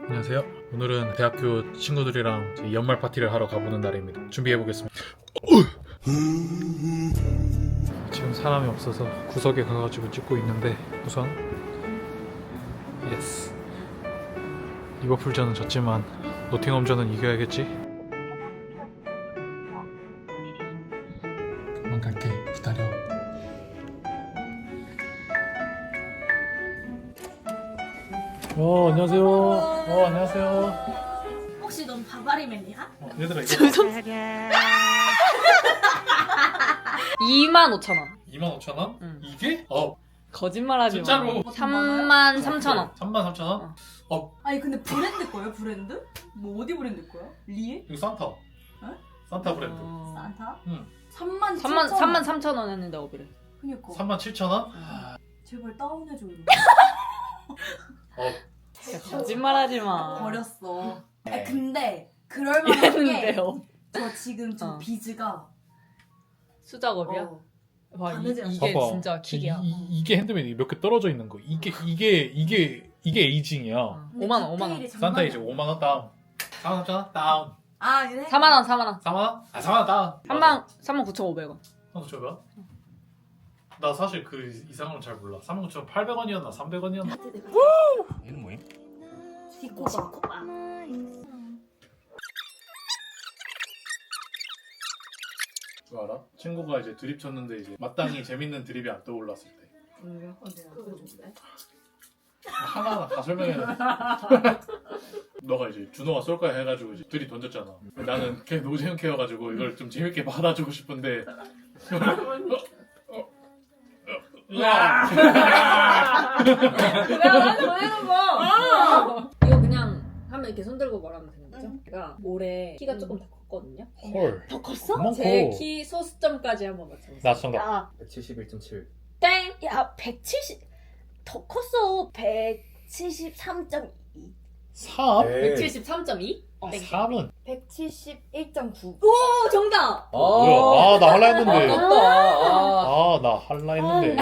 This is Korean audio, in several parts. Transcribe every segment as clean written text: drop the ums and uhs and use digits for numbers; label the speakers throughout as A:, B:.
A: 안녕하세요. 오늘은 대학교 친구들이랑 이제 연말 파티를 하러 가보는 날입니다. 준비해보겠습니다. 지금 사람이 없어서 구석에 가가지고 찍고 있는데 우선 예스. 리버풀전은 졌지만 노팅엄전은 이겨야겠지? 그만 갈게. 기다려. 안녕하세요. 안녕하세요.
B: 혹시 넌 바바리맨이야?
A: 얘들아, 이거
C: 25,000원.
A: 25,000원?
C: 응.
A: 이게?
C: 거짓말하지 마.
A: 진짜로?
C: 33,000원.
A: 33,000원?
B: 아니 근데 브랜드 거예요? 브랜드? 뭐 어디 브랜드 거야? 리에?
A: 이거 산타. 산타 브랜드.
B: 산타?
A: 응.
B: 33,000원.
C: 했는데 어비를.
B: 그니까
A: 37,000원?
B: 제발 다운해줘 이거.
C: 거짓말하지 마.
B: 버렸어. 아니 근데 그럴만한 게
C: 이랬는데요.
B: 저 지금 저 비즈가
C: 수작업이야? 와
B: 바느질
C: 이게
A: 봐봐.
C: 진짜 킥이야.
A: 이게 핸드메이드 몇 개 떨어져 있는 거. 이게 에이징이야.
C: 5만
A: 산타 이제 5만 원 다운. 4만 다운.
B: 아 그래?
C: 4만
A: 4만 원? 4만 원 다운.
C: 39,500원.
A: 한번 줘봐. 나 사실 그 이상은 잘 몰라. 39,800원이었나 300원이었나?
D: 얘는 뭐임?
B: 디코바.
A: 그거 알아? 친구가 이제 드립 쳤는데 이제 마땅히 재밌는 드립이 안 떠올랐을 때. 하나하나 다 설명해. 너가 이제 준호가 쏠 거야 해가지고 이제 드립 던졌잖아. 나는 걔 노재현 캐여가지고 이걸 좀 재밌게 받아주고 싶은데.
C: 야 나한테 보내는 거. 이거 그냥 하면 이렇게 손 들고 말하면 되는 거죠? 제가 올해 키가 조금 더 컸거든요.
A: 헐.
B: 더 컸어?
A: 많고.
C: 제 키 소수점까지 한번 맞춰보세요.
A: 나 정답.
B: 야,
D: 171.7.
C: 땡.
B: 야 170. 더 컸어. 173.2.
A: 3?
C: 173.2?
A: 3은?
B: 171.9.
C: 오 정답.
A: 뭐야? 나 할라 했는데.
D: 아깝다.
A: 나 할라 했는데.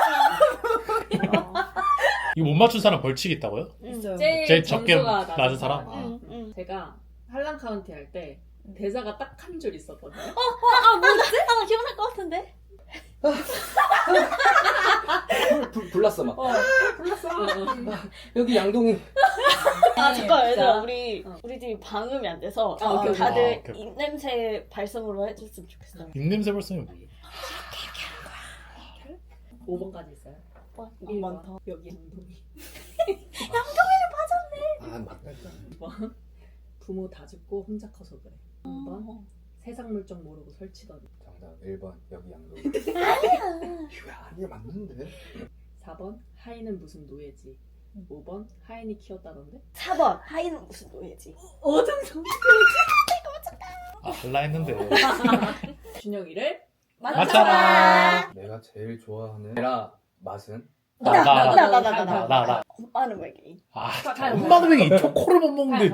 A: 이거 못 맞춘 사람 벌칙 있다고요?
B: 있어요.
A: 제일 적게
C: 점수가
A: 낮은 사람?
C: 응. 제가 한랑 카운티 할 때 대사가 딱 한 줄 있었거든요.
B: 아 기억날 것 같은데.
D: 불났어 막.
C: 불렀어.
D: 여기 양동이.
B: 아 잠깐 얘들아
C: 자.
B: 우리 집이 방음이 안 돼서
C: 아, 오케이, 오케이.
B: 다들
A: 오케이.
B: 입냄새 발성으로 해줬으면 좋겠어요.
A: 입냄새 벌써면 뭐예요?
C: 5번까지 있어요.
B: 너무 많다.
C: 여기 양동이.
D: 아 맞다.
C: 2번 부모 다 죽고 혼자 커서 그래. 3번 세상 물정 모르고 설치더니.
D: 정답 1번 여기 양동이. 이거 아니야 맞는데.
C: 4번 하이는 무슨 노예지. 5번 하인이 키웠다던데.
B: 4번 하이는 무슨 노예지?
C: 어정성.
A: 할라 했는데.
C: 준영이를
A: 맞춰라.
D: 내가 제일 좋아하는 에라 맛은
A: 나.
B: 엄마는 왜 게임?
A: 엄마는 왜 이 초코를 못 먹는데.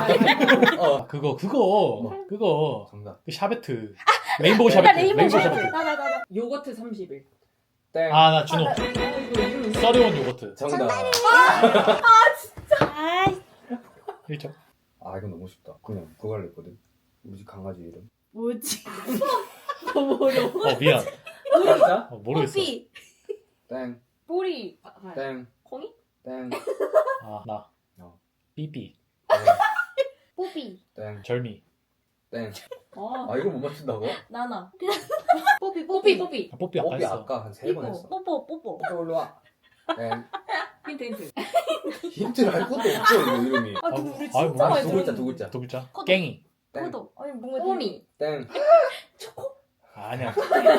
A: 그거.
D: 정답.
A: 그 샤베트. 레인보우 샤베트.
B: 나나
C: 요거트 30일.
D: 땡.
A: 나 준호.
C: 이거 이름
A: 써리온 요거트.
D: 정답.
B: 아
A: 1점.
D: 아 이건 너무 쉽다. 그냥 그거 할래 했거든. 우리 집 강아지 이름.
B: 뭐지?
C: 너무 어려워.
A: 미안.
D: 진짜?
A: 모르겠어.
B: 뽀삐
D: 땡.
C: 꼬리.
D: 땡.
C: 콩이?
D: 땡.
A: 나.
D: 어.
A: 삐삐.
B: 뽀삐
D: 땡.
A: 절미.
D: 땡.
C: 어.
D: 아 이걸 못 맞춘다고?
B: 나나 뽀삐
C: 뽀삐.
A: 뽀삐 아까
D: 뽀삐
A: 했어.
D: 아까 한 3번 했어.
B: 뽀뽀
D: 뽀삐 올라 와. 땡.
C: 힌트.
D: 힌트를 할 것도 없어 이거 이름이.
B: 아 근데 우리
A: 아이,
B: 진짜
A: 뭐야,
B: 많이
D: 두 글자 두 글자.
A: 두 글자.
B: 코드.
A: 깽이.
D: 땡.
B: 코도 아니 뭔가
C: 꼬미.
D: 땡.
A: 아니야.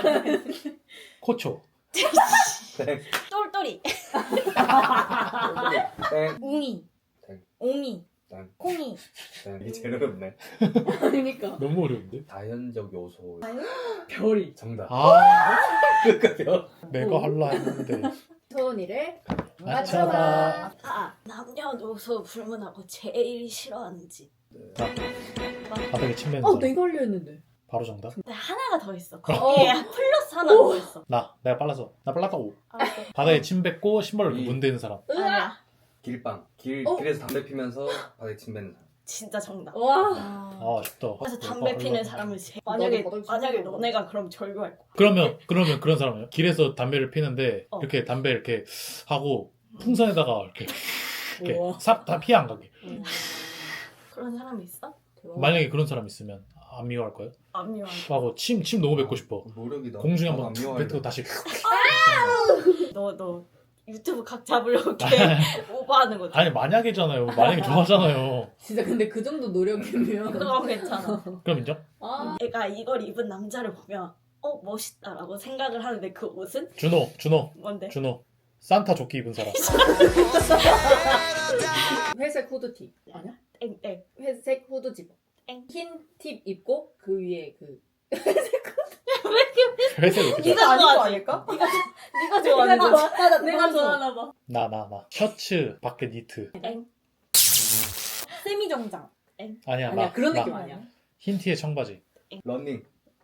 A: 코초.
D: 땡.
B: 똘똘이
D: 땡.
B: 웅이
D: 땡.
B: 옹이
D: 땡.
B: 콩이
D: 땡. 이게 제일 어렵네.
C: 그러니까
A: 너무 어려운데?
D: 자연적 요소.
C: 별이.
D: 정답. 끝까지요?
A: 내가 할라 했는데.
C: 소은이를
A: 맞춰봐.
B: 남녀노소 불문하고 제일 싫어하는 집.
A: 바닥에 침 뱉는 사람.
C: 내가 하려 했는데.
A: 바로 정답.
B: 근데 하나가 더 있어. 거기에 플러스 하나 더 있어.
A: 내가 빨랐어. 나 빨랐다 5.
B: 알았어.
A: 바닥에 침 뱉고 신발로
D: 이.
A: 문대는 사람.
B: 아니야.
D: 길빵.
C: 어?
D: 길에서 담배 피면서 바닥에 침 뱉는 사람.
E: 진짜 정답.
C: 와.
A: 아 쉽다.
E: 그래서 담배 피는 사람을 만약에
C: 나도
E: 너네가 그럼 절교할 거야.
A: 그러면 그런 사람이에요. 길에서 담배를 피는데 이렇게 담배 이렇게 하고 풍선에다가 이렇게
C: 우와.
A: 싹 다 피해 안 가게.
E: 그런 사람이 있어?
A: 만약에 그런 사람 있으면 안 미워할 거예요?
E: 안 미워할
A: 하고 침 너무 뱉고 싶어.
D: 노력이다.
A: 공중에
D: 나도
A: 한번
D: 안 미워하려고.
A: 뱉고 다시.
E: 거야. 너 유튜브 각 잡으려고 이렇게 오버하는 거지.
A: 아니 만약이잖아요. 만약에 좋아하잖아요.
C: 진짜 근데 그 정도 노력이면.
E: 그거 괜찮아.
A: 그럼 인정?
C: 아.
E: 애가 이걸 입은 남자를 보면 멋있다라고 생각을 하는데 그 옷은
A: 준호
E: 뭔데?
A: 산타 조끼 입은 사람.
C: 회색 후드티 아니야?
E: 땡땡.
C: 회색 후드 집어.
E: 땡.
C: 흰 팁 입고 그 위에 그.
A: 회색 옷.
E: 네가
B: 아닌 거
E: 좋아하지?
B: 아닐까?
E: 네가 좋아하는 거지?
C: 맞아.
E: 내가
C: 좋아하나 봐.
A: 나 셔츠 밖에 니트.
E: 땡.
B: 세미정장.
A: 아니야
C: 아니야 그런
A: 나
C: 느낌 아니야.
A: 흰 티에 청바지.
D: 러닝.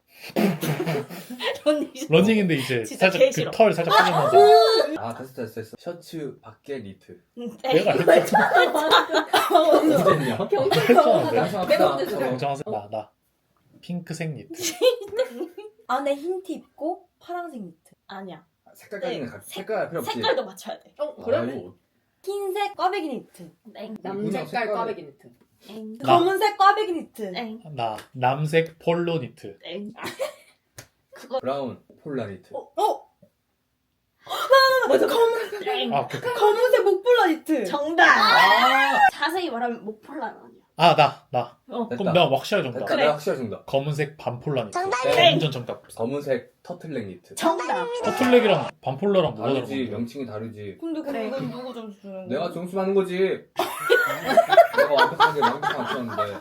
A: 러닝인데 이제
E: 진짜
A: 살짝
E: 개
A: 그
E: 싫어.
A: 털 살짝 빠지면서.
D: 아 됐어. 셔츠 밖에 니트.
A: 내가 했잖아.
D: 언제냐?
C: 경찰서 내가 먼저 줘.
A: 정정하세요. 나 핑크색 니트.
B: 안에 흰 티 입고 파란색 니트.
E: 아니야.
D: 색깔까지는
E: 네.
D: 색깔 필요 없지.
E: 색깔도 맞춰야 돼.
C: 그래?
D: 아이고,
B: 흰색 꽈배기 니트.
E: 땡.
C: 남색깔 꽈배기 니트.
E: 땡.
A: 나.
B: 검은색 꽈배기 니트.
E: 땡.
A: 나 남색 폴로 니트.
E: 땡.
D: 브라운 폴라 니트.
B: 맞아 검은
E: 땡.
A: 아
B: 검은색 목폴라 니트.
E: 정답.
D: 아
E: 자세히 말하면 목폴라는 아니야.
A: 나.
E: 어.
A: 그럼 내가 확실하게 정답.
D: 됐다. 내가 확실히 정답.
A: 검은색 반폴라 니트.
D: 땡.
A: 완전 정답.
D: 검은색 터틀넥 니트.
E: 정답.
A: 터틀넥이랑 반폴라랑 뭐가 다른
D: 다르지.
A: 건데?
D: 명칭이 다르지.
B: 근데
E: 그래.
B: 그건 누구 점수 주는 거야?
D: 내가 점수 받는 거지. 내가 완벽하게 맞췄는데.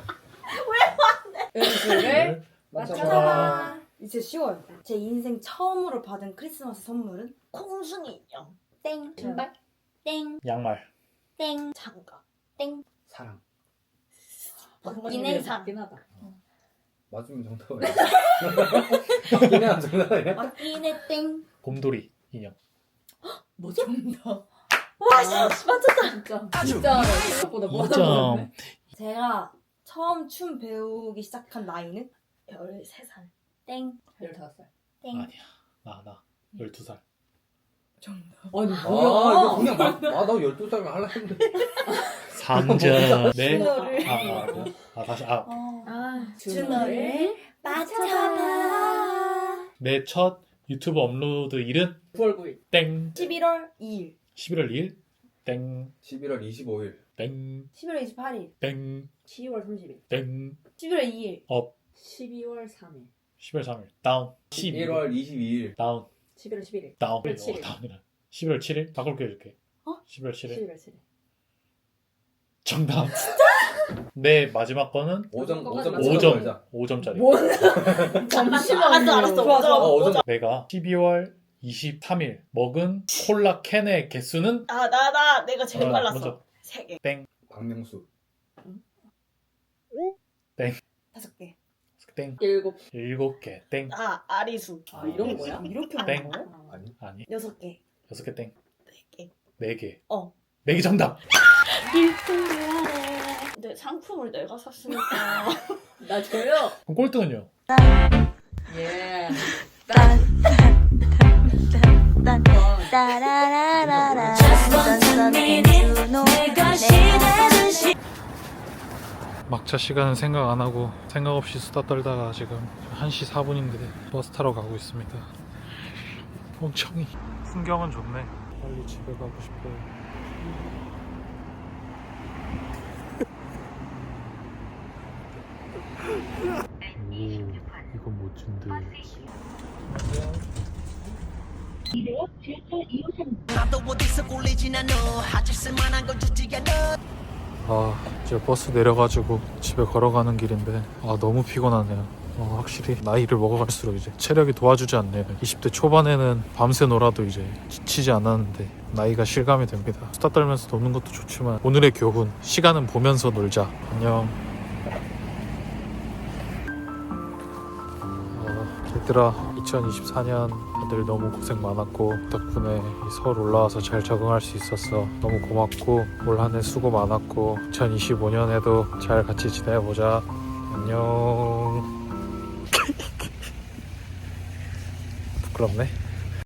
C: 연수를
A: 맞춰봐.
B: 이제 쉬워요. 제 인생 처음으로 받은 크리스마스 선물은
E: 콩순이 인형.
B: 땡.
C: 신발?
B: 땡.
A: 양말.
B: 땡.
E: 장갑.
B: 땡.
D: 사랑.
B: 맞긴 해.
C: 맞긴 하다.
D: 맞으면 정답이야. 맞긴 해 정답이야.
B: 맞긴 해. 땡.
A: 곰돌이 인형.
C: 뭐죠?
E: 와, 씨, 맞췄다.
C: 진짜 생각보다 뭐하다
A: 2점.
B: 제가 처음 춤 배우기 시작한 나이는
E: 13살.
B: 땡.
C: 15살.
B: 땡.
A: 아니야. 나 12살.
C: 아니
D: 아 이거
C: 뭐야?
D: 그냥 나 12살이면 할라 했는데.
A: 3점. 네.
B: 준호를.
A: 다시.
B: 준호를 맞춰봐.
A: 내 첫 유튜브 업로드 일은
C: 9월 9일.
A: 땡.
B: 11월 2일.
A: 11월 2일. 땡.
D: 11월 25일.
A: 땡.
B: 11월 28일.
A: 땡.
C: 10월 30일.
A: 땡.
B: 11월 2일.
C: 12월 3일.
A: 10월 3일. 다운.
D: 11월 22일.
A: 다운.
C: 11월 11일.
A: 다운.
C: 11월 7일.
A: 다운이라. 11월 7일? 바꿀게 해줄게. 11월 7일.
C: 11월 7일.
A: 정답. 진짜? 내 마지막 거는
D: 5점
A: 5점. 5점짜리.
C: 뭔? 잠시만.
E: 알았어.
B: 좋아, 좋아.
D: 5점.
A: 내가 12월 23일 먹은 콜라 캔의 개수는
E: 내가 제일 빨랐어.
A: 먼저
E: 3개.
A: 땡.
D: 박명수.
B: 5개.
A: 땡.
C: 7.
A: 7개. 땡.
E: 아리수.
C: 아 이런 거야?
B: 이렇게
A: 땡.
B: 많은 거야?
D: 아니.
A: 아니.
B: 6개.
A: 6개 땡.
E: 4개.
A: 4개. 4개
E: 4개.
A: 정답.
E: 근데 상품을 내가 샀으니까.
C: 나 줘요.
A: 그럼 꼴등은요?
C: 예. 막차 시간은 생각 안 하고 생각 없이 수다 떨다가 지금 1시 4분인데 버스 타러 가고 있습니다. 멍청이. 풍경은 좋네. 빨리 집에 가고 싶어요. 오, 이건 멋진데. 이제 버스 내려가지고 집에 걸어가는 길인데 너무 피곤하네요. 확실히 나이를 먹어갈수록 이제 체력이 도와주지 않네요. 20대 초반에는 밤새 놀아도 이제 지치지 않았는데 나이가 실감이 됩니다. 수다 떨면서 노는 것도 좋지만 오늘의 교훈, 시간은 보면서 놀자. 안녕. 얘들아, 2024년 다들 너무 고생 많았고 덕분에 이 서울 올라와서 잘 적응할 수 있었어. 너무 고맙고 올 한 해 수고 많았고 2025년에도 잘 같이 지내보자. 안녕. 부끄럽네.